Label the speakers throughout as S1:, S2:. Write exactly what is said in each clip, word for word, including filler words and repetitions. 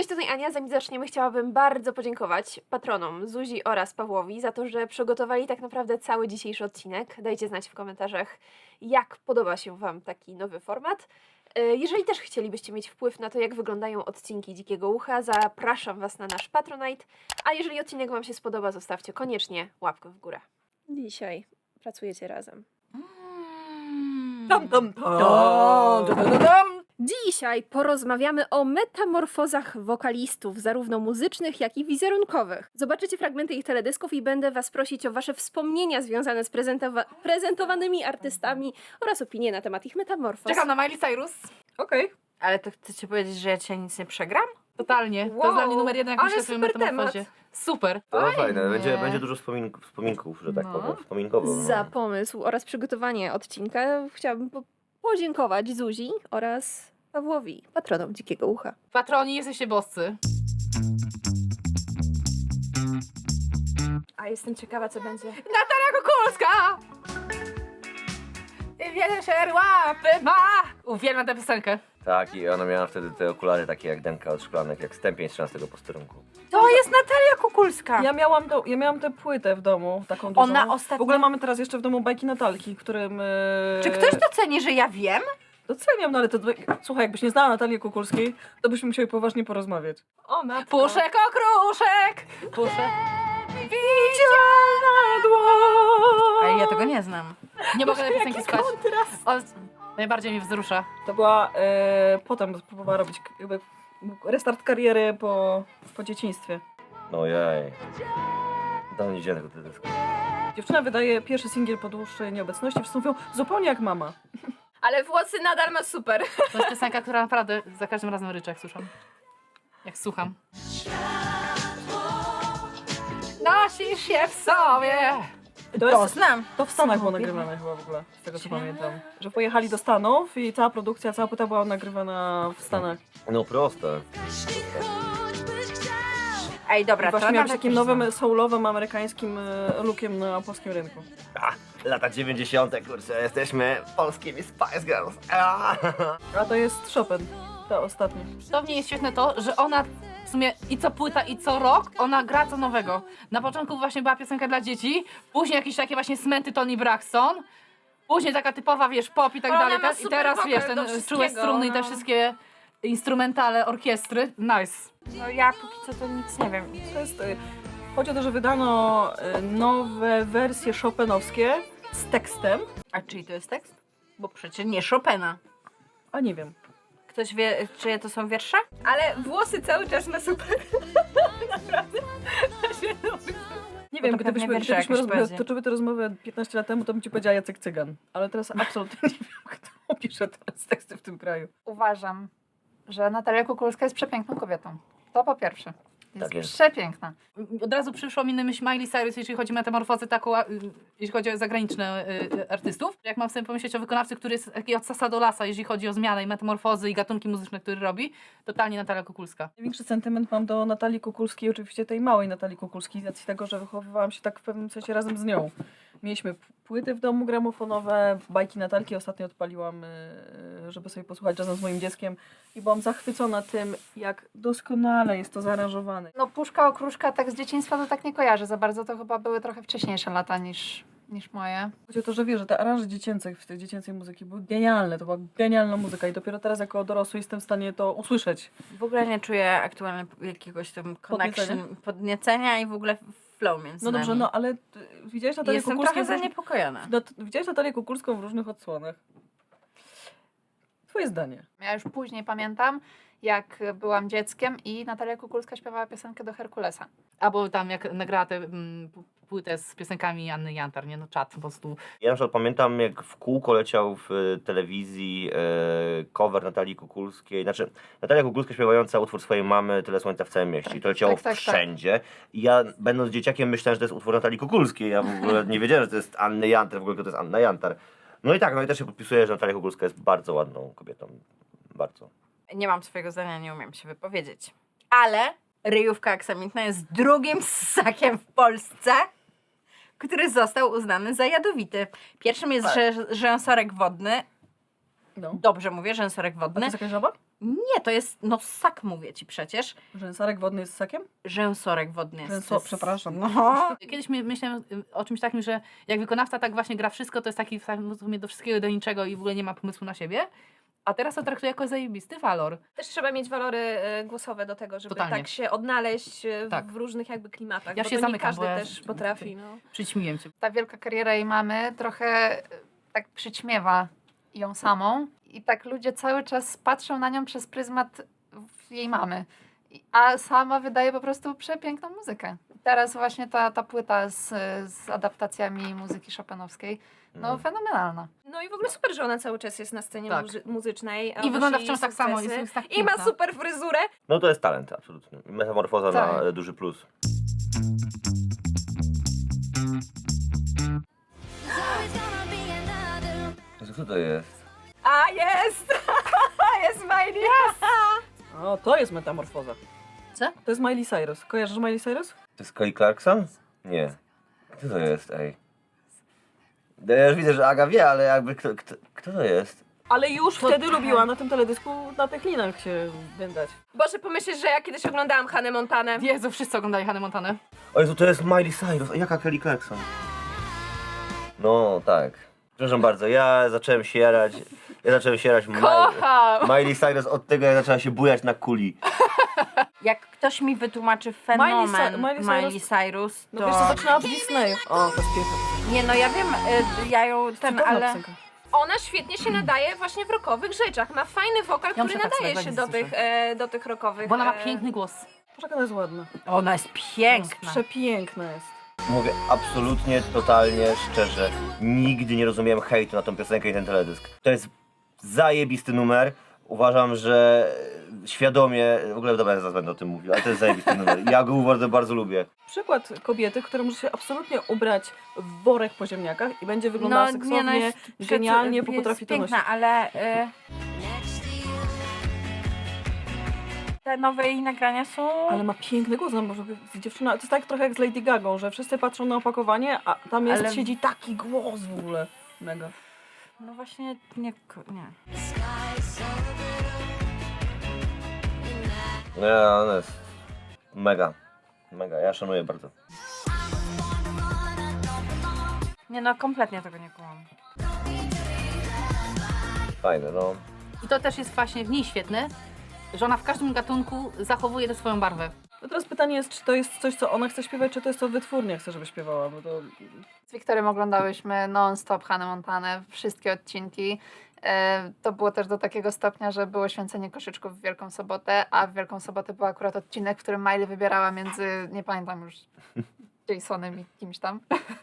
S1: Cześć, tutaj Ania. Zanim zaczniemy, chciałabym bardzo podziękować patronom Zuzi oraz Pawłowi za to, że przygotowali tak naprawdę cały dzisiejszy odcinek. Dajcie znać w komentarzach, jak podoba się Wam taki nowy format. Jeżeli też chcielibyście mieć wpływ na to, jak wyglądają odcinki Dzikiego Ucha, zapraszam Was na nasz Patronite. A jeżeli odcinek Wam się spodoba, zostawcie koniecznie łapkę w górę. Dzisiaj pracujecie razem.
S2: Tom, tom, tom.
S1: Dum, dum, dum, dum. Dzisiaj porozmawiamy o metamorfozach wokalistów, zarówno muzycznych, jak i wizerunkowych. Zobaczycie fragmenty ich teledysków i będę Was prosić o Wasze wspomnienia związane z prezentowa- prezentowanymi artystami oraz opinie na temat ich metamorfoz.
S2: Czekam na Miley Cyrus.
S3: Okej. Okay. Ale to chcecie powiedzieć, że ja dzisiaj nic nie przegram?
S2: Totalnie. To
S1: Wow,
S2: jest dla mnie numer jeden, jak
S1: ale
S2: myślę sobie o
S1: super
S2: metamorfozie.
S1: temat.
S2: Super.
S4: To
S3: Fajnie.
S4: fajne, będzie, będzie dużo wspomin wspominków, że tak
S2: No.
S4: powiem, wspominkowo. no.
S1: Za pomysł oraz przygotowanie odcinka chciałabym po- podziękować Zuzi oraz Pawłowi, patronom Dzikiego Ucha.
S2: Patroni, jesteście boscy.
S1: A jestem ciekawa, co będzie.
S2: Natalia Kukulska! Wieser łapy ma! Uwielbiam tę piosenkę.
S4: Tak, i ona miała wtedy te okulary takie jak Denka od szklanek, jak stępień z trzynastego posterunku.
S3: To jest Natalia Kukulska.
S5: Ja miałam, to, ja miałam tę płytę w domu, taką dużą.
S3: Ona ostatnio...
S5: W ogóle mamy teraz jeszcze w domu bajki Natalki, którym... E...
S3: Czy ktoś doceni, że ja wiem?
S5: Doceniam, no ale to... Słuchaj, jakbyś nie znała Natalii Kukulskiej, to byśmy musieli poważnie porozmawiać.
S1: O, matko.
S2: Puszek okruszek! Puszek.
S3: Ale ja tego nie znam.
S2: Nie mogę tej piosenki słuchać. O, najbardziej mnie wzrusza.
S5: To była... E... Potem próbowała robić jakby restart kariery po, po dzieciństwie.
S4: No jej. Dawno nie widziałem tego teledysku.
S5: Dziewczyna wydaje pierwszy singiel po dłuższej nieobecności, wszyscy mówią zupełnie jak mama.
S1: Ale włosy nadal ma super.
S2: To jest piosenka, która naprawdę za każdym razem ryczę, jak słucham. Jak słucham. Nosisz się w sobie.
S5: To,
S3: To
S5: jest,
S3: znam.
S5: to w Stanach było nagrywane chyba w ogóle, z tego co pamiętam. Że pojechali do Stanów i cała produkcja, cała płyta była nagrywana w Stanach.
S4: No proste.
S3: Ej, dobra,
S5: I
S3: to
S5: właśnie miał
S3: nawet
S5: takim
S3: już
S5: nowym,
S3: znam.
S5: soulowym, amerykańskim e, lookiem na polskim rynku.
S4: A, lata dziewięćdziesiąte kurczę, jesteśmy polskimi Spice Girls. A.
S5: A to jest Chopin, ta ostatnia.
S2: To w niej jest świetne to, że ona w sumie i co płyta, i co rok, ona gra co nowego. Na początku właśnie była piosenka dla dzieci, później jakieś takie właśnie smęty Toni Braxton, później taka typowa, wiesz, pop i tak
S3: Ona
S2: dalej.
S3: ma
S2: Te- I
S3: super
S2: teraz,
S3: wokal
S2: wiesz,
S3: do
S2: ten
S3: wszystkiego,
S2: czułe struny i te
S3: no.
S2: wszystkie instrumentale orkiestry. Nice.
S3: No ja póki co to nic nie wiem.
S5: To jest, e, chodzi o to, że wydano e, nowe wersje chopinowskie z tekstem,
S3: A czyj to jest tekst? Bo przecież nie Chopina.
S5: a nie wiem.
S3: Ktoś wie, czyje to są wiersze?
S1: Ale włosy cały czas ma super.
S5: Nie
S3: Bo
S5: wiem,
S3: to
S5: gdybyśmy,
S3: pewnie wiersze
S5: gdybyśmy
S3: jakieś
S5: roz,
S3: poezje.
S5: toczyły tę rozmowę piętnaście lat temu, to bym ci powiedziała Jacek Cygan. Ale teraz absolutnie nie wiem, kto pisze teraz teksty w tym kraju.
S6: Uważam, że Natalia Kukulska jest przepiękną kobietą. To po pierwsze. Jest,
S4: Tak jest.
S6: przepiękna.
S2: Od razu przyszło mi na myśl Miley Cyrus, jeśli chodzi o metamorfozę taką, a, y, jeśli chodzi o zagraniczne y, y, artystów. Jak mam sobie pomyśleć o wykonawcy, który jest taki od sasa do lasa, jeżeli chodzi o zmianę i metamorfozy i gatunki muzyczne, które robi, totalnie Natalia Kukulska.
S5: Największy sentyment mam do Natalii Kukulskiej, oczywiście tej małej Natalii Kukulskiej, z racji tego, że wychowywałam się tak w pewnym sensie razem z nią. Mieliśmy p- płyty w domu gramofonowe, bajki Natalki ostatnio odpaliłam, y, żeby sobie posłuchać razem z moim dzieckiem i byłam zachwycona tym, jak doskonale jest to zaaranżowane.
S6: No Puszka Okruszka tak z dzieciństwa to tak nie kojarzę za bardzo. To chyba były trochę wcześniejsze lata niż, niż moje.
S5: Chodzi o to, że wiesz, że te aranże dziecięce w tej dziecięcej muzyki były genialne, to była genialna muzyka i dopiero teraz jako dorosły jestem w stanie to usłyszeć.
S3: W ogóle nie czuję aktualnie jakiegoś tam connection,
S5: Podniecenia?
S3: podniecenia i w ogóle flow między
S5: No dobrze,
S3: nami.
S5: no ale y, widziałeś Natalię
S3: Jestem
S5: Kukulską
S3: trochę
S5: w róż-
S3: zaniepokojona.
S5: Nat- widziałeś Natalię Kukulską w różnych odsłonach. Twoje zdanie.
S6: Ja już później pamiętam, jak byłam dzieckiem i Natalia Kukulska śpiewała piosenkę do Herkulesa.
S2: Albo tam jak nagrała tę mm, p- płytę z piosenkami Anny Jantar, nie? No czad po prostu.
S4: Ja na przykład pamiętam, jak w kółko leciał w e, telewizji e, cover Natalii Kukulskiej. Znaczy, Natalia Kukulska śpiewająca utwór swojej mamy Tyle słońca w całym mieście. I to leciało
S6: tak, tak, tak.
S4: wszędzie. I ja, będąc dzieciakiem, myślałem, że to jest utwór Natalii Kukulskiej. Ja w ogóle nie wiedziałem, że to jest Anny Jantar, w ogóle kto to jest Anna Jantar. No i tak, no i też się podpisuję, że Natalia Kukulska jest bardzo ładną kobietą. Bardzo.
S3: Nie mam swojego zdania, nie umiem się wypowiedzieć. Ale ryjówka aksamitna jest drugim ssakiem w Polsce, który został uznany za jadowity. Pierwszym jest
S5: Tak.
S3: rzę- rzęsorek wodny.
S5: No.
S3: Dobrze mówię, rzęsorek
S5: A to
S3: wodny.
S5: jest jakaś żaba?
S3: Nie, to jest, no ssak mówię ci przecież.
S5: Rzęsarek wodny jest ssakiem?
S3: Rzęsorek wodny jest.
S5: Rzęso, przepraszam.
S3: No.
S2: Kiedyś my, myślałem y, o czymś takim, że jak wykonawca tak właśnie gra wszystko, to jest taki w sumie do wszystkiego i do niczego i w ogóle nie ma pomysłu na siebie. A teraz to traktuję jako zajebisty walor.
S1: Też trzeba mieć walory e, głosowe do tego, żeby
S2: Totalnie.
S1: tak się odnaleźć e, w,
S2: Tak.
S1: w różnych jakby klimatach.
S2: Ja
S1: bo
S2: się
S1: to nie
S2: zamykam,
S1: każdy
S2: bo ja-
S1: też potrafi. No.
S2: Przyćmiłem cię.
S6: Ta wielka kariera jej mamy trochę e, tak przyćmiewa ją samą i tak ludzie cały czas patrzą na nią przez pryzmat w- jej mamy. I- A sama wydaje po prostu przepiękną muzykę. Teraz właśnie ta, ta płyta z, z adaptacjami muzyki chopinowskiej, no
S4: No.
S6: fenomenalna.
S1: no i w ogóle super, że ona cały czas jest na scenie
S2: Tak.
S1: muzy- muzycznej. a
S2: I wygląda
S1: odnosi
S2: wciąż tak samo.
S1: sukcesy.
S2: Jest, jest tak
S1: I ma
S2: piękna.
S1: super fryzurę.
S4: No to jest talent, absolutnie. Metamorfoza
S6: Tak.
S4: na e, duży plus. Jezu, kto to jest?
S1: A jest! jest Miley!
S5: O, to jest metamorfoza.
S3: Co?
S5: To jest Miley Cyrus. Kojarzysz Miley Cyrus?
S4: To jest Kelly Clarkson? Nie. Kto to jest, ej? No ja już widzę, że Aga wie, ale jakby kto, kto, kto to jest?
S5: Ale już
S3: To
S5: wtedy
S3: tak.
S5: lubiła na tym teledysku na tych linach się wędać.
S1: Boże, pomyślisz, że ja kiedyś oglądałam Hannę Montanę.
S2: Jezu, wszyscy oglądali Hannah Montanę.
S4: O Jezu, to jest Miley Cyrus. A jaka Kelly Clarkson? No, tak. Przepraszam bardzo, ja zacząłem się jarać. Ja zacząłem się jarać
S1: Kocham!
S4: Miley Cyrus od tego, jak zaczęła się bujać na kuli.
S3: Jak ktoś mi wytłumaczy fenomen
S5: Miley Cy- Miley
S3: Miley
S5: Cyrus-
S3: Cyrus, to...
S5: No wiesz, co zaczynała w Disneyu. O, to jest piękna.
S3: Nie, no ja wiem, y, ja ją ten,
S5: Cudowna
S3: ale...
S5: piosenka.
S1: Ona świetnie się nadaje właśnie w rockowych rzeczach. Ma fajny wokal,
S2: Ja
S1: który
S2: muszę tak
S1: nadaje
S2: sobie
S1: się
S2: weź
S1: do tych,
S2: słyszę.
S1: e, do tych rockowych.
S2: Bo ona ma
S1: e,
S2: piękny głos.
S5: Boże, jak ona jest ładna.
S3: Ona jest piękna.
S5: Przepiękna jest.
S4: Mówię absolutnie, totalnie, szczerze. Nigdy nie rozumiałem hejtu na tą piosenkę i ten teledysk. To jest zajebisty numer. Uważam, że świadomie, w ogóle dobra, ja zaraz będę o tym mówił, ale to jest zajebisty numer. Ja go bardzo, bardzo lubię.
S5: Przykład kobiety, która może się absolutnie ubrać w worek po ziemniakach i będzie wyglądała seksownie,
S3: no jest
S5: genialnie,
S3: jest
S5: bo potrafi to
S3: piękna,
S5: nosić.
S3: ale... Y... Te nowe jej nagrania są...
S5: Ale ma piękny głos, no może dziewczyna, to jest tak trochę jak z Lady Gagą, że wszyscy patrzą na opakowanie, a tam jest,
S3: Ale-
S5: siedzi taki głos w ogóle. Mega.
S3: No właśnie, nie... ko- nie.
S4: Nie, ona jest mega, mega, ja szanuję bardzo.
S3: Nie no, kompletnie tego nie kumam.
S4: Fajne, no.
S2: I to też jest właśnie w niej świetne, że ona w każdym gatunku zachowuje tę swoją barwę.
S5: No teraz pytanie jest, czy to jest coś, co ona chce śpiewać, czy to jest co wytwórnia chce, żeby śpiewała, bo to...
S6: Z Wiktorem oglądałyśmy non-stop Hannah Montanę, wszystkie odcinki. E, To było też do takiego stopnia, że było święcenie koszyczków w Wielką Sobotę, a w Wielką Sobotę był akurat odcinek, w którym Miley wybierała między, nie pamiętam już, Jasonem i kimś tam.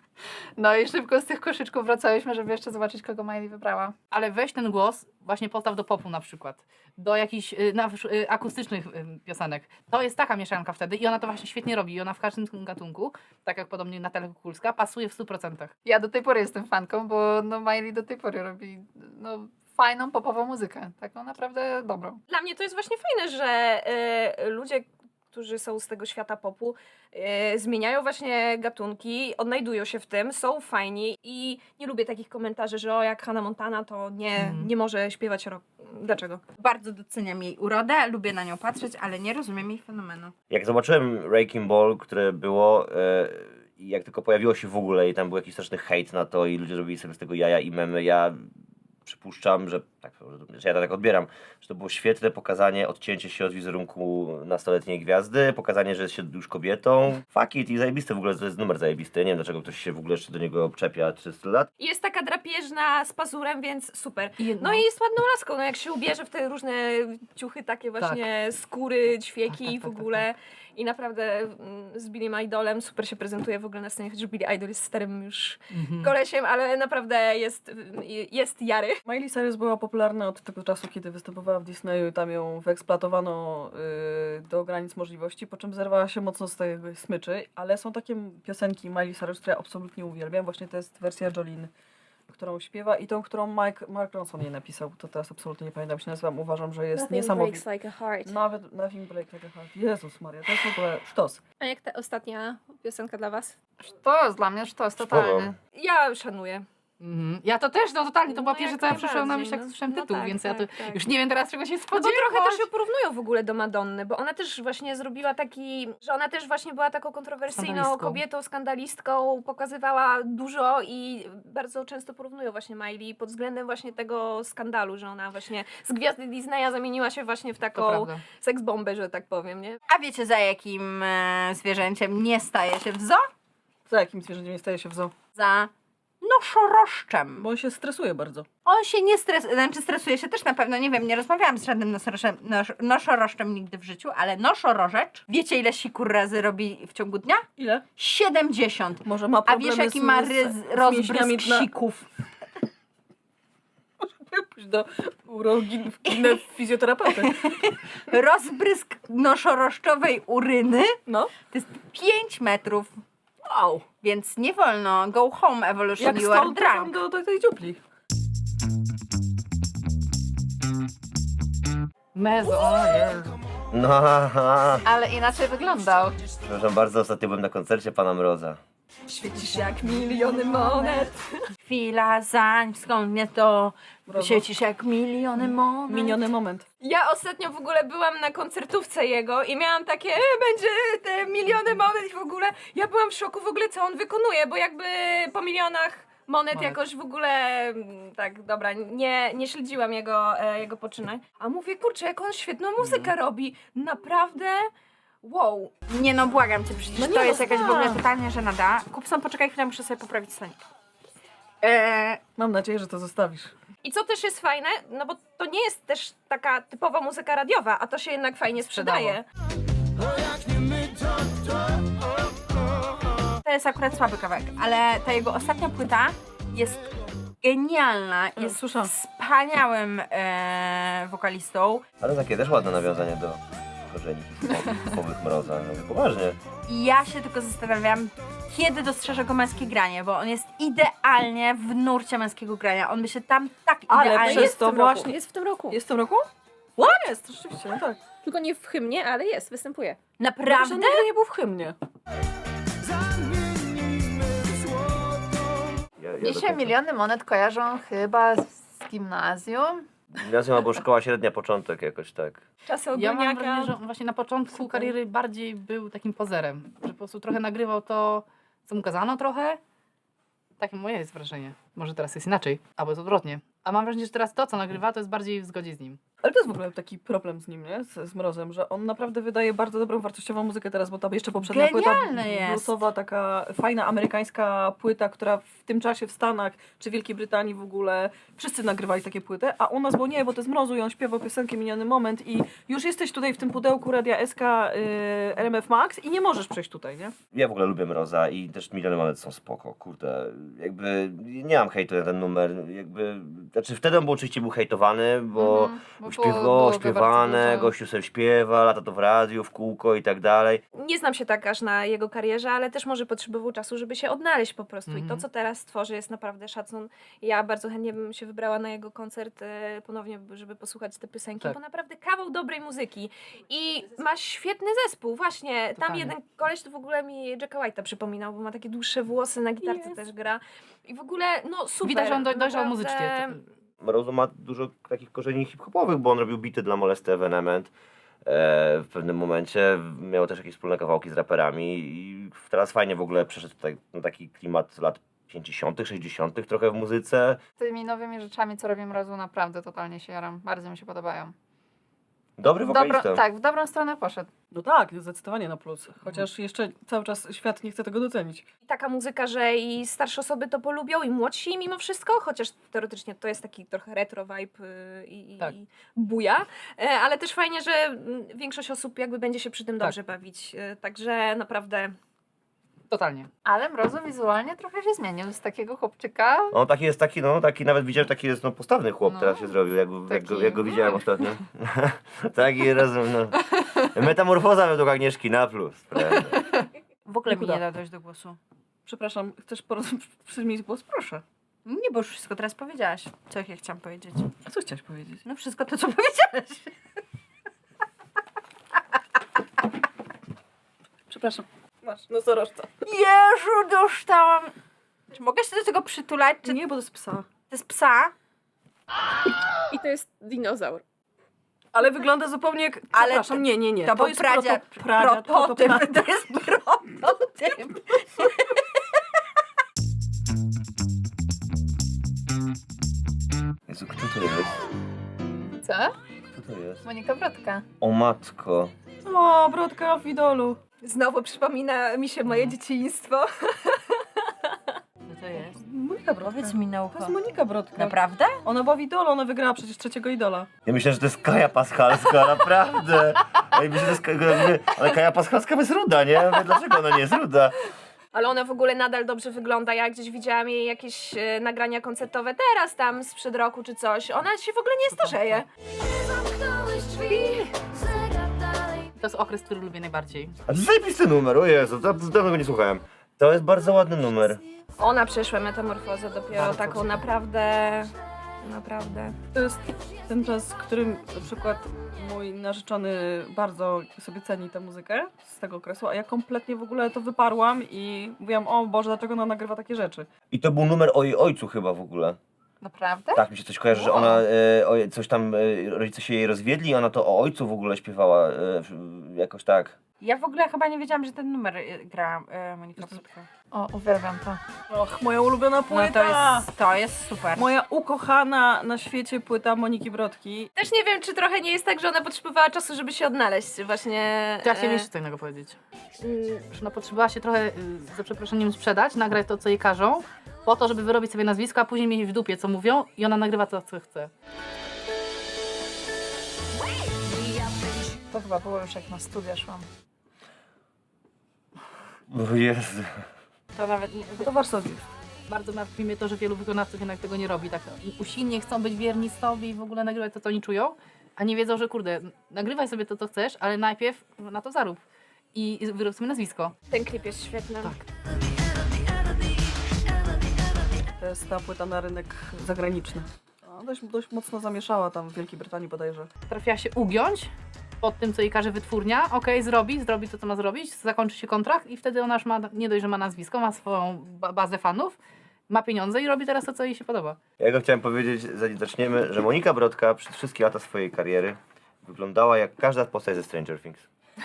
S6: No i szybko z tych koszyczków wracałyśmy, żeby jeszcze zobaczyć, kogo Miley wybrała.
S2: Ale weź ten głos, właśnie postaw do popu na przykład, do jakichś y, na, y, akustycznych y, piosenek. To jest taka mieszanka wtedy i ona to właśnie świetnie robi. I ona w każdym gatunku, tak jak podobnie Natalia Kukulska, pasuje w stu procentach.
S6: Ja do tej pory jestem fanką, bo no Miley do tej pory robi no, fajną, popową muzykę. Taką naprawdę dobrą.
S1: Dla mnie to jest właśnie fajne, że e, ludzie, którzy są z tego świata popu, e, zmieniają właśnie gatunki, odnajdują się w tym, są fajni i nie lubię takich komentarzy, że o, jak Hannah Montana, to nie,
S2: Mhm.
S1: nie może śpiewać rock. Dlaczego?
S3: Bardzo doceniam jej urodę, lubię na nią patrzeć, ale nie rozumiem jej fenomenu.
S4: Jak zobaczyłem Wrecking Ball, które było, e, i jak tylko pojawiło się w ogóle i tam był jakiś straszny hejt na to i ludzie robili sobie z tego jaja i memy, ja przypuszczam, że tak, że ja to tak odbieram, że to było świetne pokazanie, odcięcie się od wizerunku nastoletniej gwiazdy, pokazanie, że jest się już kobietą. Fuck it i zajebiste w ogóle, to jest numer zajebisty. Nie wiem, dlaczego ktoś się w ogóle jeszcze do niego czepia trzysta lat.
S1: I jest taka drapieżna z pazurem, więc super.
S2: I
S1: No i jest ładną laską, no jak się ubierze w te różne ciuchy, takie właśnie skóry, ćwieki
S2: Tak, tak,
S1: i w
S2: tak, tak,
S1: ogóle. I naprawdę mm, z Billym Idolem super się prezentuje w ogóle na scenie, chociaż Billy Idol jest starym już
S2: Mhm.
S1: kolesiem, ale naprawdę jest, jest jary.
S5: Miley Cyrus była popularna od tego czasu, kiedy występowała w Disneyu i tam ją wyeksploatowano yy, do granic możliwości, po czym zerwała się mocno z tej smyczy, ale są takie piosenki Miley Cyrus, które ja absolutnie uwielbiam. Właśnie to jest wersja Jolene, którą śpiewa i tą, którą Mike, Mark Ronson jej napisał. To teraz absolutnie nie pamiętam, jak się nazywam. Uważam, że jest niesamowita.
S1: like a heart.
S5: Nawet Nothing Breaks Like a Heart. Jezus Maria, to jest w ogóle sztos.
S1: A jak ta ostatnia piosenka dla was?
S6: Sztos, dla mnie sztos, totalny.
S1: Ja szanuję.
S2: Mhm. Ja to też, no totalnie, to
S1: No
S2: była pierwsza,
S1: jak
S2: co ja przyszła na myśl,
S1: najbardziej,
S2: jak
S1: no.
S2: słyszałem
S1: No
S2: tytuł,
S1: tak,
S2: więc ja to
S1: tak, tak.
S2: już nie wiem teraz, czego się
S1: No bo
S2: spodziewać.
S1: trochę też ją porównują w ogóle do Madonny, bo ona też właśnie zrobiła taki, że ona też właśnie była taką kontrowersyjną
S2: Skandalistką.
S1: kobietą, skandalistką, pokazywała dużo i bardzo często porównują właśnie Miley pod względem właśnie tego skandalu, że ona właśnie z gwiazdy Disneya zamieniła się właśnie w
S2: To
S1: taką
S2: prawda.
S1: seksbombę, że tak powiem, nie?
S3: A wiecie, za jakim e, zwierzęciem nie staje się w zoo?
S5: Za jakim zwierzęciem nie staje się w zoo?
S3: Za noszorożczem.
S5: Bo on się stresuje bardzo.
S3: On się nie stresuje, znaczy stresuje się też na pewno, nie wiem, nie rozmawiałam z żadnym nosorożem, nos, noszorożczem nigdy w życiu, ale noszorożecz, wiecie ile sikur razy robi w ciągu dnia?
S5: Ile?
S3: siedemdziesiąt.
S5: Może ma
S3: A
S5: problemy
S3: wiesz jaki
S5: z,
S3: ma
S5: z,
S3: ryz,
S5: z
S3: rozbrysk
S5: mięśniami dna?
S3: sików?
S5: Pójść do urologii, w fizjoterapeuty.
S3: Rozbrysk noszorożczowej uryny
S5: No.
S3: to jest pięć metrów,
S5: Wow.
S3: więc nie wolno. Go home evolution,
S5: Jak
S3: you are
S5: stąd tam
S3: drunk.
S5: do, do tej dziupli.
S2: Mezo, o Jezu.
S4: No, haha.
S6: Ale inaczej wyglądał.
S4: Przepraszam bardzo, ostatnio byłem na koncercie Pana Mroza.
S1: Świecisz jak miliony monet.
S3: Chwila, zań, skąd mnie to
S5: Brawo.
S3: świecisz jak miliony monet.
S5: Miniony moment.
S1: Ja ostatnio w ogóle byłam na koncertówce jego i miałam takie, e, będzie te miliony monet i w ogóle, ja byłam w szoku w ogóle co on wykonuje, bo jakby po milionach monet,
S2: Monet.
S1: jakoś w ogóle, mm, tak dobra, nie, nie śledziłam jego, e, jego poczynań. A mówię, kurczę, jak on świetną muzykę robi, naprawdę, wow.
S3: Nie no, błagam cię, przecież
S1: No nie,
S3: to
S1: no
S3: jest jakaś w ogóle
S1: znam.
S3: totalnie żenada. Kupson, poczekaj chwilę, muszę sobie poprawić stanik. Eee,
S5: Mam nadzieję, że to zostawisz.
S1: I co też jest fajne, no bo to nie jest też taka typowa muzyka radiowa, a to się jednak fajnie sprzedaje.
S3: to jest akurat słaby kawałek, ale ta jego ostatnia płyta jest genialna, jest
S5: słyszałam.
S3: wspaniałym e, wokalistą.
S4: Ale takie też ładne nawiązanie do korzeni hip-hopowych Mroza. No, poważnie.
S3: I ja się tylko zastanawiam, kiedy dostrzeżę go męskie granie, bo on jest idealnie w nurcie męskiego grania. On by się tam tak
S5: Ale
S3: idealnie...
S5: przez
S1: jest w
S5: to
S1: tym
S5: właśnie-
S1: roku, jest w tym roku.
S5: Jest w tym roku? What? Jest, rzeczywiście, no tak.
S1: Tylko nie w hymnie, ale jest, występuje.
S3: Naprawdę?
S5: Że on nigdy nie był w hymnie.
S4: Ja, ja
S6: Mi
S4: do
S6: się
S4: końca-
S6: miliony monet kojarzą chyba z gimnazjum.
S4: Gimnazjum albo szkoła średnia, początek jakoś tak.
S1: Czasy
S2: Ja mam
S1: ogólniaka.
S2: wrażenie, że on właśnie na początku kariery bardziej był takim pozerem, że po prostu trochę nagrywał to, co mu kazano trochę. Takie moje jest wrażenie. Może teraz jest inaczej, albo jest odwrotnie. A mam wrażenie, że teraz to, co nagrywa, to jest bardziej w zgodzie z nim.
S5: Ale to jest w ogóle taki problem z nim, nie? Z, z Mrozem, że on naprawdę wydaje bardzo dobrą, wartościową muzykę teraz, bo tam jeszcze poprzednia
S3: Genialny
S5: płyta
S3: jest.
S5: bluesowa, taka fajna amerykańska płyta, która w tym czasie w Stanach czy Wielkiej Brytanii w ogóle wszyscy nagrywali takie płyty, a u nas, bo nie, bo to jest Mrozu i on śpiewał piosenkę Miniony Moment i już jesteś tutaj w tym pudełku Radia S K y, R M F Max i nie możesz przejść tutaj, nie?
S4: Ja w ogóle lubię Mroza i też Miliony Monet są spoko, kurde. Jakby nie mam hejtu na ten numer, jakby... Znaczy wtedy on był oczywiście był hejtowany, bo
S6: Mhm, bo
S4: śpiewa,
S6: było- było go
S4: śpiewane,
S6: bardzo dużo.
S4: gościu sobie śpiewa, lata to w radiu, w kółko i tak dalej.
S1: Nie znam się tak aż na jego karierze, ale też może potrzebował czasu, żeby się odnaleźć po prostu. I to,
S2: Mhm.
S1: co teraz tworzy, jest naprawdę szacun. Ja bardzo chętnie bym się wybrała na jego koncert e, ponownie, żeby posłuchać te piosenki,
S2: Tak.
S1: bo naprawdę kawał dobrej muzyki. I ma świetny zespół, właśnie. Tam
S2: Totalnie.
S1: jeden koleś to w ogóle mi Jacka White'a przypominał, bo ma takie dłuższe włosy, na gitarce
S5: Jest.
S1: też gra. I w ogóle, no super.
S2: Widać, że on doj- dojrzał
S1: naprawdę.
S2: muzycznie.
S4: Mrozu ma dużo takich korzeni hip-hopowych, bo on robił bity dla Molesty Evenement. E, w pewnym momencie miał też jakieś wspólne kawałki z raperami i teraz fajnie w ogóle przeszedł tutaj na taki klimat lat pięćdziesiątych, sześćdziesiątych trochę w muzyce.
S6: Tymi nowymi rzeczami, co robi Mrozu, naprawdę totalnie się jaram. Bardzo mi się podobają.
S4: Dobry
S6: W
S4: wokalista.
S6: dobro, tak, w dobrą stronę poszedł.
S5: No tak, zdecydowanie na plus. Chociaż jeszcze cały czas świat nie chce tego docenić.
S1: I taka muzyka, że i starsze osoby to polubią, i młodsi mimo wszystko, chociaż teoretycznie to jest taki trochę retro vibe y, i,
S2: Tak.
S1: i buja, E, ale też fajnie, że mm, większość osób jakby będzie się przy tym
S2: Tak.
S1: dobrze bawić, E, także naprawdę
S2: Totalnie.
S6: Ale Mrozu wizualnie trochę się zmienił z takiego chłopczyka.
S4: On taki jest taki, no taki nawet widziałem, taki jest no postawny chłop
S6: No,
S4: teraz się zrobił, jak, jak,
S6: taki-
S4: go, jak go widziałem ostatnio. Taki razem, no. Metamorfoza według Agnieszki na plus. Prawda?
S3: W ogóle mi
S5: Nikuda.
S3: nie da dojść do głosu.
S5: Przepraszam, chcesz poroz- przymieć głos? Proszę.
S3: Nie, bo już wszystko teraz powiedziałaś. Co ja chciałam powiedzieć?
S5: A co chciałaś powiedzieć?
S3: No wszystko to, co powiedziałaś.
S5: Przepraszam. Masz nosorożca.
S3: Jezu, dostałam... Czy mogę się do tego przytulać? Czy
S5: Nie, bo to jest psa.
S3: to jest psa?
S1: I to jest dinozaur.
S5: Ale wygląda zupełnie jak...
S3: Ale
S5: Przepraszam, nie, nie, nie.
S3: To, był
S5: jest
S3: pradzia,
S5: proto- pradzia,
S3: prototyp.
S5: prototyp.
S3: To jest prototyp.
S4: Jezu, kto to jest?
S6: Co?
S4: Kto to jest?
S6: Monika Brodka.
S4: O matko.
S5: O, brodka w idolu.
S1: Znowu przypomina mi się moje dzieciństwo.
S3: Co to jest?
S5: Monika Brodka.
S3: Powiedz mi na
S5: To
S3: ucho.
S5: jest Monika Brodka.
S3: Naprawdę?
S5: Ona była w idolu, ona wygrała przecież trzeciego idola.
S4: Ja myślę, że to jest Kaja Paschalska, naprawdę. Ej, myślę, że to jest, Ka- jakby- ale Kaja Paschalska jest ruda, nie? Ja mówię, dlaczego ona nie jest ruda?
S1: Ale ona w ogóle nadal dobrze wygląda. Ja gdzieś widziałam jej jakieś e, nagrania koncertowe teraz tam sprzed roku czy coś. Ona się w ogóle nie starzeje.
S2: To jest okres, który lubię najbardziej.
S4: A to jest zajebisty numer, o Jezu, to dawno go nie słuchałem. To jest bardzo ładny numer.
S1: Ona przeszła metamorfozę dopiero
S2: Bardzo
S1: taką
S2: wspaniale.
S1: naprawdę, naprawdę.
S5: To jest ten czas, w którym na przykład mój narzeczony bardzo sobie ceni tę muzykę z tego okresu, a ja kompletnie w ogóle to wyparłam i mówiłam, o Boże, dlaczego ona nagrywa takie rzeczy?
S4: I to był numer o jej ojcu chyba w ogóle.
S3: Naprawdę?
S4: Tak, mi się coś kojarzy, że ona, e, o, coś tam, e, rodzice się jej rozwiedli i ona to o ojcu w ogóle śpiewała, e, jakoś tak.
S3: Ja w ogóle chyba nie wiedziałam, że ten numer y, gra y, Monika Brodka.
S6: O, uwielbiam to.
S5: Och, moja ulubiona
S3: No
S5: płyta!
S3: to jest, to jest super.
S5: Moja ukochana na świecie płyta Moniki Brodki.
S1: Też nie wiem, czy trochę nie jest tak, że ona potrzebowała czasu, żeby się odnaleźć właśnie.
S2: To ja chciałam
S1: e,
S2: jeszcze co innego powiedzieć.
S1: mm,
S2: Że ona potrzebowała się trochę, y, za przeproszeniem, sprzedać, nagrać to, co jej każą, po to, żeby wyrobić sobie nazwisko, a później mieć w dupie, co mówią i ona nagrywa to, co chce.
S6: To chyba było już jak na studia szłam.
S4: O Jezu.
S3: To nawet nie...
S5: To Warszawie.
S2: Bardzo martwi mnie to, że wielu wykonawców jednak tego nie robi. Tak usilnie chcą być wierni sobie i w ogóle nagrywać to, co oni czują, a nie wiedzą, że kurde, nagrywaj sobie to, co chcesz, ale najpierw na to zarób. I i wyrób sobie nazwisko.
S1: Ten klip jest świetny.
S2: Tak.
S5: To jest ta płyta na rynek zagraniczny. No, dość, dość mocno zamieszała tam w Wielkiej Brytanii bodajże.
S2: Trafiła się ugiąć pod tym, co jej każe wytwórnia. Okej, zrobi, zrobi to, co ma zrobić, zakończy się kontrakt i wtedy ona już ma, nie dość, że ma nazwisko, ma swoją ba- bazę fanów, ma pieniądze i robi teraz to, co jej się podoba.
S4: Ja go chciałem powiedzieć, zanim zaczniemy, że Monika Brodka przez wszystkie lata swojej kariery wyglądała jak każda postać ze Stranger Things.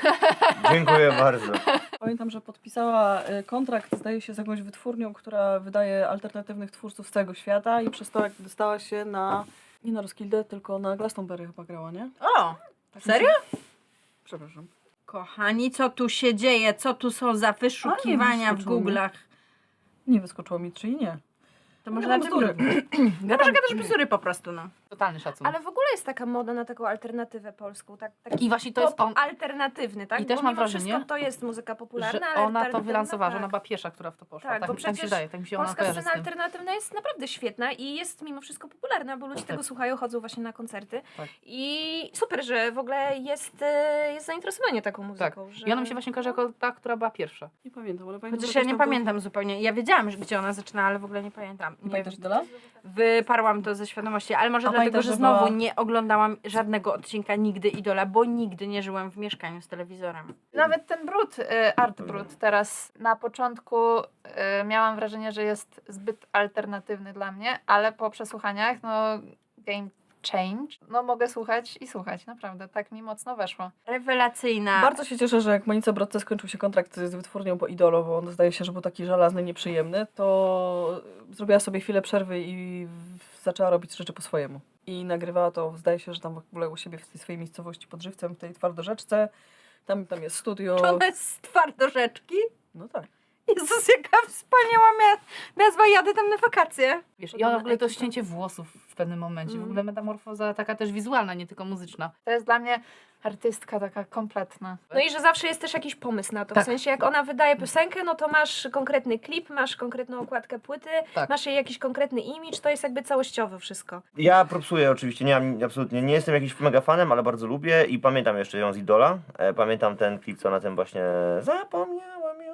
S4: Dziękuję bardzo.
S5: Pamiętam, że podpisała y, kontrakt, zdaje się, z jakąś wytwórnią, która wydaje alternatywnych twórców z całego świata i przez to jak dostała się na, nie na Roskilde, tylko na Glastonbury chyba grała, nie?
S3: O!
S5: Tak
S3: Serio?
S5: mi się- Przepraszam.
S3: Kochani, co tu się dzieje? Co tu są za wyszukiwania w
S5: wyskoczyło mi.
S3: Google'ach?
S5: Nie wyskoczyło mi, czyli nie.
S3: To może
S5: Gadam
S3: na
S5: bzdury.
S3: Może gadasz bzdury po prostu, no.
S2: Totalny szacun.
S1: Ale w ogóle jest taka moda na taką alternatywę polską. Tak, taki
S2: I właśnie to jest
S1: pop
S2: on,
S1: alternatywny, tak?
S2: I też
S1: Bo
S2: mam
S1: mimo
S2: wrażenie,
S1: wszystko to jest muzyka popularna,
S2: że
S1: ale
S2: ona to
S1: alternatywna,
S2: wylansowała, że
S1: tak.
S2: ona była pierwsza, która w to poszła.
S1: Tak,
S2: Tak,
S1: bo
S2: mi- tak mi się
S1: przecież
S2: wydaje, tak mi się ona
S1: Polska
S2: kojarzy z
S1: scena
S2: tym.
S1: alternatywna jest naprawdę świetna i jest mimo wszystko popularna, bo ludzie
S2: Tak.
S1: tego słuchają, chodzą właśnie na koncerty.
S2: Tak.
S1: I super, że w ogóle jest, e, jest zainteresowanie taką
S2: Tak.
S1: muzyką. Że...
S2: I ona mi się właśnie kojarzy jako ta, która była pierwsza.
S5: Nie pamiętam, ale pamiętam,
S3: Chociaż
S5: że
S3: ja
S5: coś
S3: nie
S5: tam było-
S3: pamiętam zupełnie. Ja wiedziałam, że gdzie ona zaczyna, ale w ogóle nie pamiętam.
S5: Nie
S3: Nie
S5: pamiętasz
S3: wiem.
S5: Idola?
S3: Wyparłam to ze świadomości, ale może
S5: A
S3: dlatego,
S5: pamiętasz,
S3: że
S5: że
S3: znowu
S5: była-
S3: nie oglądałam żadnego odcinka nigdy Idola, bo nigdy nie żyłam w mieszkaniu z telewizorem.
S6: Nawet ten brud, y, art brud teraz na początku y, miałam wrażenie, że jest zbyt alternatywny dla mnie, ale po przesłuchaniach, no game change, no mogę słuchać i słuchać, naprawdę, tak mi mocno weszło.
S3: Rewelacyjna.
S5: Bardzo się cieszę, że jak Monice Brodce skończył się kontrakt z wytwórnią po Idolu, bo on zdaje się, że był taki żelazny, nieprzyjemny, to zrobiła sobie chwilę przerwy i w- zaczęła robić rzeczy po swojemu. I nagrywała to, zdaje się, że tam w ogóle u siebie w tej swojej miejscowości pod Żywcem, w tej Twardorzeczce. Tam, tam jest studio.
S3: Czy ona jest z Twardorzeczki?
S5: No tak.
S3: Jezus, jaka wspaniała mia- nazwa, jadę tam na wakacje.
S2: Wiesz, i ona w ogóle to ścięcie włosów w pewnym momencie, w ogóle metamorfoza taka też wizualna, nie tylko muzyczna.
S6: To jest dla mnie artystka taka kompletna.
S1: No i że zawsze jest też jakiś pomysł na to.
S2: Tak.
S1: W sensie jak ona wydaje piosenkę, no to masz konkretny klip, masz konkretną okładkę płyty,
S2: Tak.
S1: masz jej jakiś konkretny imidż, to jest jakby całościowe wszystko.
S4: Ja propsuję oczywiście, nie mam, absolutnie nie jestem jakimś mega fanem, ale bardzo lubię i pamiętam jeszcze ją z Idola. E, pamiętam ten klip, co na tym właśnie zapomniałam już.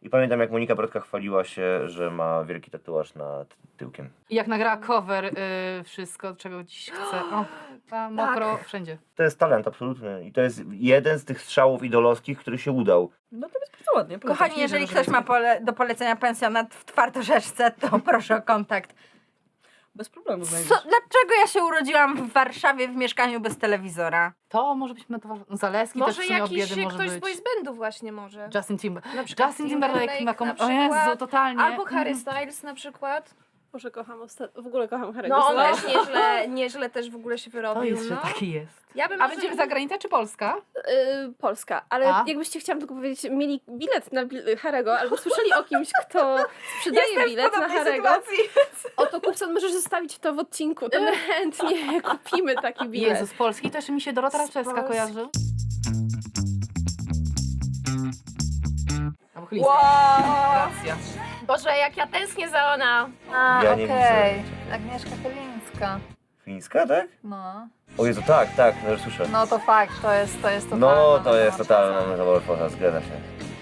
S4: I pamiętam, jak Monika Brodka chwaliła się, że ma wielki tatuaż nad tyłkiem.
S2: I jak nagrała cover, y, wszystko, czego dziś chce. O, tam mokro, wszędzie.
S4: To jest talent absolutny i to jest jeden z tych strzałów idolowskich, który się udał.
S5: No to jest bardzo ładnie. polecam.
S3: Kochani, jeżeli
S5: Nie,
S3: ktoś
S5: że-
S3: ma pole, do polecenia pensjonat w Twardorzeczce, to proszę o kontakt.
S5: Bez problemu
S3: Co,
S5: znajdziesz.
S3: dlaczego ja się urodziłam w Warszawie w mieszkaniu bez telewizora?
S2: To może być metafora. Zaleski też w
S1: Może
S2: sumie
S1: jakiś
S2: od biedy może
S1: ktoś z
S2: być.
S1: boys bandu właśnie może.
S2: Justin Timberlake.
S1: Na przykład
S2: Justin Timberlake ma kom...
S1: na
S2: O Jezu,
S1: przykład.
S2: totalnie.
S1: Albo Harry
S2: Mhm.
S1: Styles na przykład.
S7: Boże, kocham osta- w ogóle kocham Harry'ego
S1: No on
S7: Stylesa.
S1: też nieźle, nieźle też w ogóle się
S2: To
S1: wyrobił.
S2: jest, że
S1: no.
S2: taki jest.
S1: Ja bym
S2: A
S1: może-
S2: będziemy zagranica czy Polska?
S7: Y, Polska, ale
S2: A?
S7: jakbyście chciałam tylko powiedzieć, mieli bilet na bil- Harry'ego, albo słyszeli o kimś, kto sprzedaje bilet na Harry'ego, oto Kupson możesz zostawić to w odcinku, to my chętnie kupimy taki bilet.
S2: Jezu, z Polski to jeszcze mi się Dorota Raczewska
S1: Polski.
S2: kojarzy. Albo Chylińska. Racja.
S1: Boże, jak ja tęsknię za ona.
S6: A,
S4: Ja nie
S6: okej.
S4: widzę.
S6: Agnieszka Chylińska.
S4: Fińska, tak?
S6: No.
S4: O Jezu, tak, tak, no już słyszę.
S6: No to fakt, to jest to jest totalna
S4: No, to jest
S6: metamorfoza.
S4: totalna metamorfoza, zgadza się.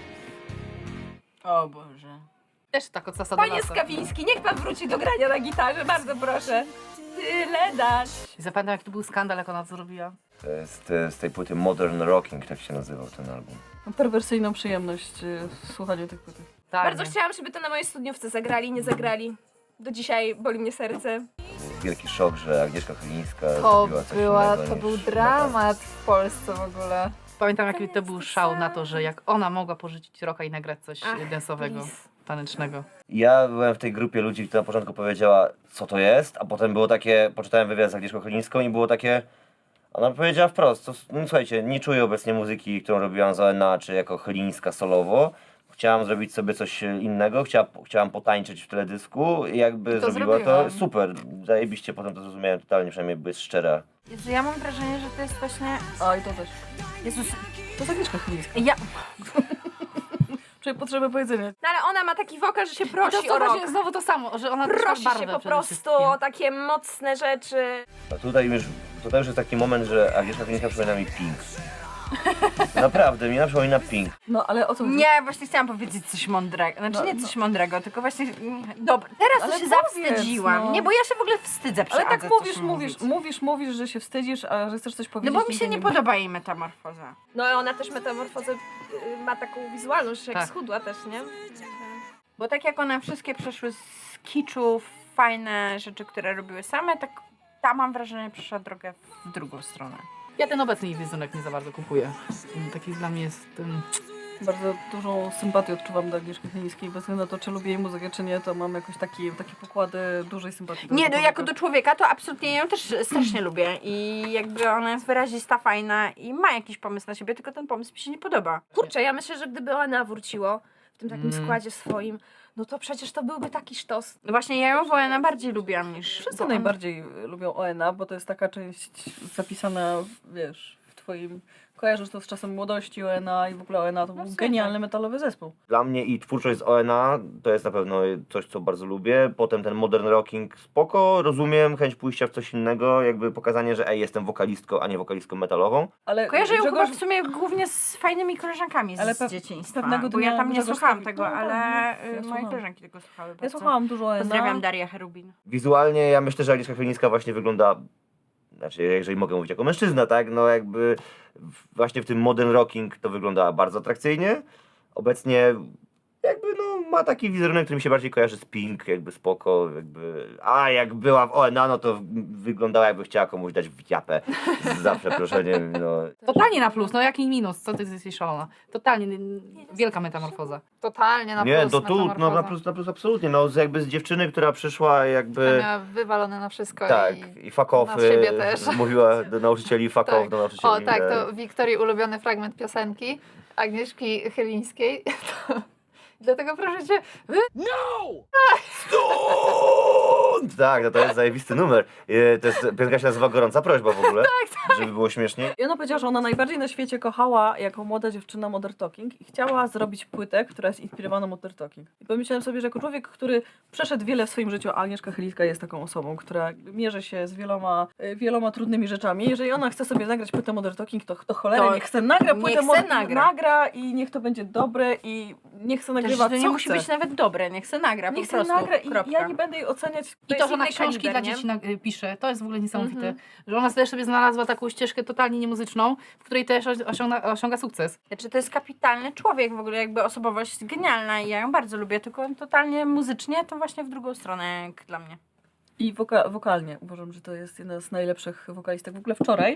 S3: O Boże.
S2: Też tak od sasa do
S3: Panie
S2: lasa.
S3: Skawiński, niech pan wróci do grania na gitarze, bardzo proszę. Tyle dać.
S2: I zapamiętam, jak to był skandal, jak ona to zrobiła.
S4: To jest e, z tej płyty Modern Rocking, tak się nazywał ten album.
S5: Mam perwersyjną przyjemność y, w słuchaniu tych płyt.
S2: Tak.
S7: Bardzo chciałam, żeby to na mojej studniówce zagrali, nie zagrali. Do dzisiaj boli mnie serce.
S4: Wielki szok, że Agnieszka Chylińska
S6: To
S4: zrobiła coś
S6: była,
S4: innego
S6: to
S4: niż
S6: był
S4: metal.
S6: dramat w Polsce w ogóle.
S2: Pamiętam, jaki to był szał na to, że jak ona mogła porzucić rocka i nagrać coś
S7: Ach,
S2: densowego,
S7: please.
S2: tanecznego.
S4: Ja byłem w tej grupie ludzi, która na początku powiedziała, co to jest, a potem było takie, poczytałem wywiad z Agnieszką Chylińską i było takie, ona powiedziała wprost, to, no, słuchajcie, nie czuję obecnie muzyki, którą robiłam za O N A, czy jako Chylińska solowo. Chciałam zrobić sobie coś innego, chciała, chciałam potańczyć w teledysku i jakby
S6: I to
S4: zrobiła
S6: zrobiłam.
S4: to super. Zajebiście, potem to zrozumiałem totalnie, przynajmniej była szczera.
S3: Jezu, ja mam wrażenie, że to jest właśnie...
S5: A i to też.
S3: Jezus,
S5: To jest Agnieszka Chylińska.
S3: ja...
S5: Czuję potrzebę powiedzenia.
S7: No ale ona ma taki wokal, że się
S2: I to
S7: prosi
S2: to
S7: o
S2: właśnie
S7: rok.
S2: znowu to samo, że ona też ma
S7: Prosi
S2: barwę
S7: się po
S2: przede
S7: prostu
S2: wszystkim.
S7: o takie mocne rzeczy.
S4: A tutaj już, tutaj już jest taki moment, że Agnieszka Chylińska przypomina mi Pink. Naprawdę, mi przypomina Pink.
S5: No ale o co chodzi?
S3: Nie, właśnie chciałam powiedzieć coś mądrego. Znaczy
S5: No,
S3: nie
S5: no.
S3: coś mądrego, tylko właśnie... Dobra, teraz
S5: Ale
S3: to się
S5: powiedz,
S3: zawstydziłam.
S5: no.
S3: Nie, bo ja się w ogóle wstydzę przy
S5: Ale tak
S3: Adze
S5: mówisz,
S3: coś
S5: mówisz,
S3: mówić.
S5: mówisz, mówisz, że się wstydzisz, a że chcesz coś
S3: No
S5: powiedzieć.
S3: bo mi się
S5: nigdy
S3: nie podoba jej metamorfoza.
S7: No i ona też metamorfozę y, ma taką wizualność, że jak
S2: Tak.
S7: schudła też, nie?
S3: Bo tak jak one wszystkie przeszły z kiczu, w fajne rzeczy, które robiły same, tak ta mam wrażenie przeszła drogę w drugą stronę.
S2: Ja ten obecny jej wizerunek nie za bardzo kupuję. Taki dla mnie jest... Um,
S5: Bardzo dużą sympatię odczuwam do Agnieszki Chylińskiej, bez względu na to, czy lubię jej muzykę, czy nie, to mam jakoś taki, takie pokłady dużej sympatii. do
S3: Nie,
S5: tego
S3: no jako
S5: człowieka.
S3: do człowieka to absolutnie ją też strasznie lubię i jakby ona jest wyrazista, fajna i ma jakiś pomysł na siebie, tylko ten pomysł mi się nie podoba.
S7: Kurczę, ja myślę, że gdyby ona wróciło w tym takim
S2: Mm.
S7: składzie swoim, no to przecież to byłby taki sztos.
S3: No właśnie ja ją wolę najbardziej lubiłam niż...
S5: Wszyscy
S3: bo ona-
S5: najbardziej y, lubią O N A, bo to jest taka część zapisana, wiesz, w twoim... Kojarzysz to z czasem młodości O N A i w ogóle O N A to był
S3: sumie
S5: genialny metalowy zespół.
S4: Dla mnie i twórczość z O N A to jest na pewno coś, co bardzo lubię. Potem ten modern rocking spoko, rozumiem, chęć pójścia w coś innego, jakby pokazanie, że ej, jestem wokalistką, a nie wokalistką metalową.
S5: Ale
S3: Kojarzę ją
S5: Grzegorz,
S3: chyba w sumie głównie z fajnymi koleżankami z
S5: Ale pe-
S3: dzieciństwa,
S5: pewnego
S3: bo ja
S5: dnia
S3: tam nie
S5: Grzegorz
S3: słuchałam
S5: Stawik-
S3: tego,
S5: no,
S3: ale
S5: tak,
S3: y,
S5: ja
S3: moje
S5: słuchałam.
S3: koleżanki tego słuchały
S5: Ja
S3: bardzo.
S5: słuchałam dużo O N A.
S3: Pozdrawiam Darię Cherubin.
S4: Wizualnie ja myślę, że Agnieszka Chylińska właśnie wygląda, znaczy jeżeli mogę mówić jako mężczyzna, tak, no jakby w- właśnie w tym modern rocking to wygląda bardzo atrakcyjnie. Obecnie jakby no ma taki wizerunek, który mi się bardziej kojarzy z Pink, jakby spoko, jakby, a jak była w O N A, no to wyglądała jakby chciała komuś dać w japę, za przeproszeniem, no.
S2: totalnie na plus, no jaki minus, co ty jesteś szalona. Totalnie, n- wielka metamorfoza.
S6: Totalnie na
S4: Nie,
S6: plus
S4: to tu, no na
S6: metamorfoza.
S4: plus, na plus absolutnie, no z- jakby z dziewczyny, która przyszła
S6: Ja
S4: jakby...
S6: miała wywalone na wszystko
S4: Tak,
S6: i...
S2: No,
S4: i fuck
S6: na
S4: off,
S6: siebie
S4: y,
S6: też.
S4: mówiła do nauczycieli fuck
S6: Tak.
S4: off, do nauczycieli.
S6: O tak,
S4: e,
S6: to Wiktorii ulubiony fragment piosenki Agnieszki Chylińskiej. To... Dlatego proszę cię, wy...
S4: Stąd! Tak, no to jest zajebisty numer. E, To jest, piosenka się nazywa Gorąca Prośba w ogóle, żeby było śmieszniej.
S5: I ona powiedziała, że ona najbardziej na świecie kochała jako młoda dziewczyna Modern Talking i chciała zrobić płytę, która jest inspirowana Modern Talking. I pomyślałem sobie, że jako człowiek, który przeszedł wiele w swoim życiu, a Agnieszka Chylińska jest taką osobą, która mierzy się z wieloma, y, wieloma trudnymi rzeczami. Jeżeli ona chce sobie nagrać płytę Modern Talking, to, to cholera,
S3: To
S5: niech chce nagra
S3: niech
S5: płytę
S3: se
S5: Modern
S3: nagra.
S5: nagra i niech to będzie dobre i niech chce
S3: Też
S5: nagrywa
S3: to nie
S5: co
S3: musi
S5: chce.
S3: być nawet dobre, niech se nagra
S5: Niech
S3: po
S5: chce
S3: prostu.
S5: nagra i
S3: Kropka.
S5: ja nie będę jej oceniać.
S2: I to, że ona
S7: inny
S2: książki
S7: kaliber,
S2: dla
S7: nie?
S2: dzieci na, y, pisze, to jest w ogóle niesamowite.
S7: Mhm.
S2: Że ona też sobie znalazła taką ścieżkę totalnie niemuzyczną, w której też osiąga, osiąga sukces.
S3: Znaczy, to jest kapitalny człowiek, w ogóle jakby osobowość genialna i ja ją bardzo lubię, tylko totalnie muzycznie to właśnie w drugą stronę jak dla mnie.
S5: I woka- wokalnie uważam, że to jest jedna z najlepszych wokalistek. W ogóle wczoraj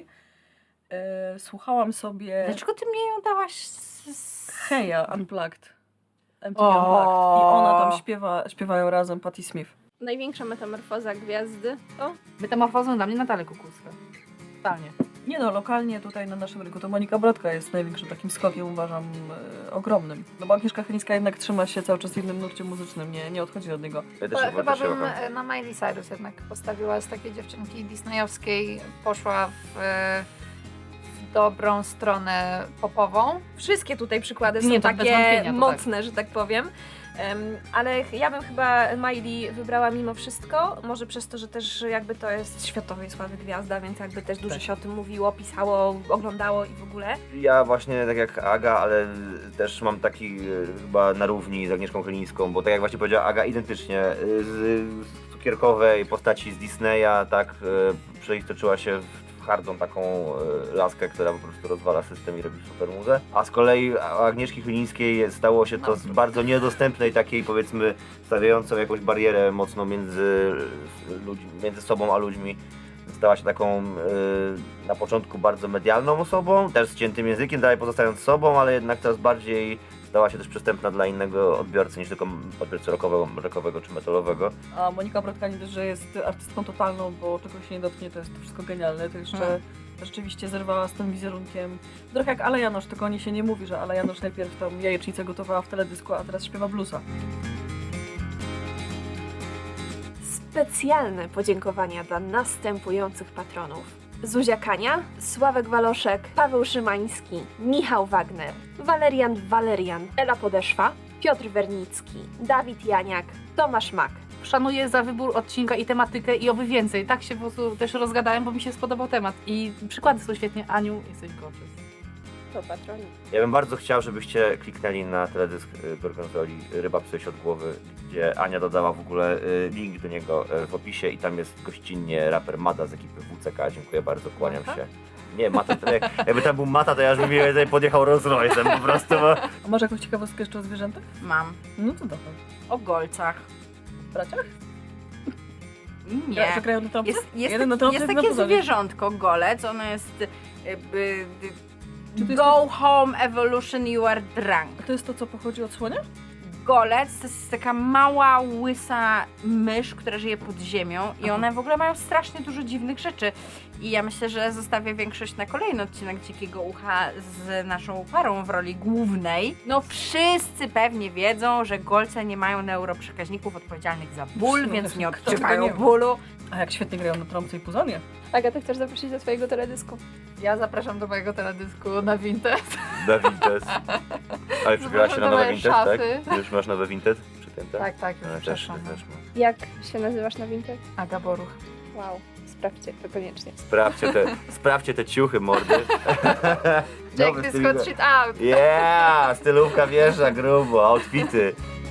S5: e, słuchałam sobie
S3: Dlaczego ty mnie ją dałaś z... z...
S5: Heja Unplugged. M T V
S3: O.
S5: Unplugged. I ona tam śpiewa, śpiewają razem Patti Smith.
S7: Największa metamorfoza gwiazdy to?
S2: Metamorfozą dla mnie Natalia Kukulska. Totalnie.
S5: Nie no, lokalnie tutaj na naszym rynku to Monika Brodka jest największym takim skokiem, uważam, e, ogromnym. No bo Agnieszka Chylińska jednak trzyma się cały czas w jednym nurcie muzycznym, nie, nie odchodzi od niego.
S4: Ja też,
S6: To
S4: ja
S6: chyba
S4: też się
S6: bym
S4: kocham.
S6: e, na Miley Cyrus jednak postawiła z takiej dziewczynki disneyowskiej, poszła w, e, w dobrą stronę popową.
S1: Wszystkie tutaj przykłady
S2: Nie,
S1: są
S2: to bez
S1: takie
S2: wątpienia, to
S1: mocne, że tak powiem. Em, ale ja bym chyba Miley wybrała mimo wszystko, może przez to, że też jakby to jest światowej sławy gwiazda, więc jakby też dużo
S2: Tak.
S1: się o tym mówiło, pisało, oglądało i w ogóle.
S4: Ja właśnie tak jak Aga, ale też mam taki e, chyba na równi z Agnieszką Chylińską, bo tak jak właśnie powiedziała Aga, identycznie e, z, z cukierkowej postaci z Disneya, tak e, przeistoczyła się w hardą taką e, laskę, która po prostu rozwala system i robi super muzę. A z kolei u Agnieszki Chylińskiej stało się to z bardzo niedostępnej takiej, powiedzmy, stawiającą jakąś barierę mocno między, ludźmi, między sobą a ludźmi. Stała się taką y, na początku bardzo medialną osobą, też z ciętym językiem, dalej pozostając sobą, ale jednak coraz bardziej stała się też przystępna dla innego odbiorcy niż tylko odbiorcy rockowego, rockowego czy metalowego.
S5: A Monika Brodka nie dość, że jest artystką totalną, bo czego się nie dotknie, to jest to wszystko genialne, to jeszcze
S3: Hmm.
S5: rzeczywiście zerwała z tym wizerunkiem. Trochę jak Ala Janosz, tylko o niej się nie mówi, że Ala Janosz najpierw tam jajecznicę gotowała w teledysku, a teraz śpiewa bluesa.
S1: Specjalne podziękowania dla następujących patronów. Zuzia Kania, Sławek Waloszek, Paweł Szymański, Michał Wagner, Walerian Walerian, Ela Podeszwa, Piotr Wernicki, Dawid Janiak, Tomasz Mak.
S2: Szanuję za wybór odcinka i tematykę i oby więcej. Tak się po prostu też rozgadałem, bo mi się spodobał temat. I przykłady są świetnie. Aniu, jesteś gorgeous.
S7: To patroni.
S4: Ja bym bardzo chciał, żebyście kliknęli na teledysk y, Gorgonzoli Ryba Psyś od głowy, gdzie Ania dodała w ogóle y, link do niego y, w opisie i tam jest gościnnie raper Mada z ekipy W C K. Dziękuję bardzo, kłaniam
S2: Mata?
S4: się. Nie, Mata, to jak, jakby tam był Mata, to ja już bym mi tutaj podjechał Rolls Royce'em po prostu, bo...
S5: A masz jakąś ciekawostkę jeszcze o zwierzętach?
S3: Mam.
S5: No to dawaj.
S3: O golcach.
S5: W braciach?
S3: Nie.
S5: Że grają na trąbce?
S3: Jest, jest,
S5: Jeden na
S3: taki,
S5: trąbce,
S3: jest
S5: jeden na
S3: takie
S5: puzonie.
S3: zwierzątko, golec, ono jest jakby...
S5: Czy to jest
S3: Go home evolution, you are drunk.
S5: To jest to, co pochodzi od słonia?
S3: Golec to jest taka mała, łysa mysz, która żyje pod ziemią i one w ogóle mają strasznie dużo dziwnych rzeczy. I ja myślę, że zostawię większość na kolejny odcinek Dzikiego Ucha z naszą parą w roli głównej. No wszyscy pewnie wiedzą, że golce nie mają neuroprzekaźników odpowiedzialnych za ból,
S5: No,
S3: więc nie
S5: kto tego
S3: odczuwają
S5: nie wie?
S3: bólu.
S5: A jak świetnie grają na trąbce i puzonie.
S7: Agata, chcesz zaprosić do twojego teledysku?
S6: Ja zapraszam do mojego teledysku na Vinted.
S4: Na Vinted. Ale przybiłaś się na
S6: Do
S4: nowe
S6: mojej
S4: Vinted, tak?
S6: szafy.
S4: Już masz nowe Vinted? Przypięte?
S6: Tak, tak,
S4: No,
S6: już
S4: też,
S6: przeszłam.
S4: też mam.
S7: Jak się nazywasz na Vinted?
S6: Aga Boruch.
S7: Wow, sprawdźcie to koniecznie.
S4: Sprawdźcie te, sprawdźcie te ciuchy, mordy.
S6: Jack
S4: Nowy
S6: Disco
S4: styl-
S6: Shit Out.
S4: Yeah! Stylówka wjeżdża grubo, outfity.